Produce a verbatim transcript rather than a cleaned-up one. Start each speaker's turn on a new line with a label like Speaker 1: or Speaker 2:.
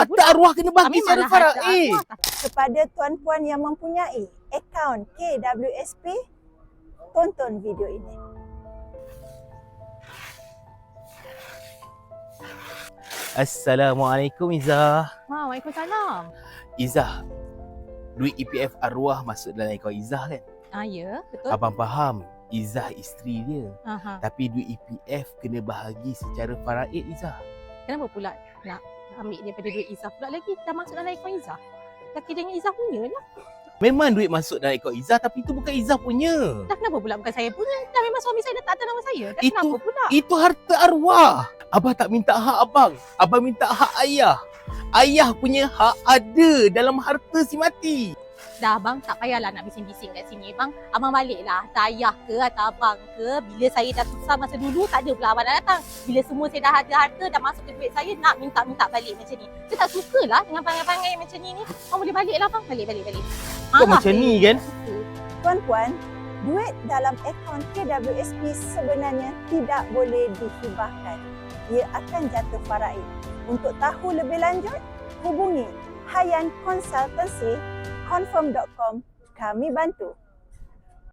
Speaker 1: Harta arwah kena bagi secara faraid.
Speaker 2: Kepada tuan-puan yang mempunyai akaun K W S P, tonton video ini.
Speaker 1: Assalamualaikum Izzah.
Speaker 3: Ha, Waalaikumsalam.
Speaker 1: Izzah, duit E P F arwah masuk dalam akaun Izzah kan?
Speaker 3: Ah, ya, betul.
Speaker 1: Abang faham Izzah isteri dia.
Speaker 3: Aha.
Speaker 1: Tapi duit E P F kena bahagi secara faraid Izzah.
Speaker 3: Kenapa pula nak ambil daripada duit Izzah pula lagi? Dah masuk dalam akaun Izzah. Laki dengan Izzah punya lah.
Speaker 1: Memang duit masuk dalam akaun Izzah tapi itu bukan Izzah punya.
Speaker 3: Dah kenapa pula bukan saya punya? Dah memang suami saya dah tak ada nama saya. Dah
Speaker 1: Itu-
Speaker 3: kenapa pula?
Speaker 1: Itu harta arwah. Abang tak minta hak abang. Abang minta hak ayah. Ayah punya hak ada dalam harta si mati.
Speaker 3: Dah abang tak payahlah nak bising-bising kat sini bang. Abang baliklah. Atau ayah ke atau abang ke. Bila saya dah susah masa dulu tak ada pula abang dah datang. Bila semua saya dah ada harta, dah masuk ke duit saya, nak minta-minta balik macam ni. Saya tak sukalah dengan pangai-pangai macam ni ni. Abang boleh baliklah bang. Balik, balik, balik.
Speaker 1: Kau macam ni kan?
Speaker 2: Tuan-puan, duit dalam akaun K W S P sebenarnya tidak boleh dihibahkan. Ia akan jatuh faraid. Untuk tahu lebih lanjut, hubungi Hayan Consultancy confirm dot com. Kami bantu.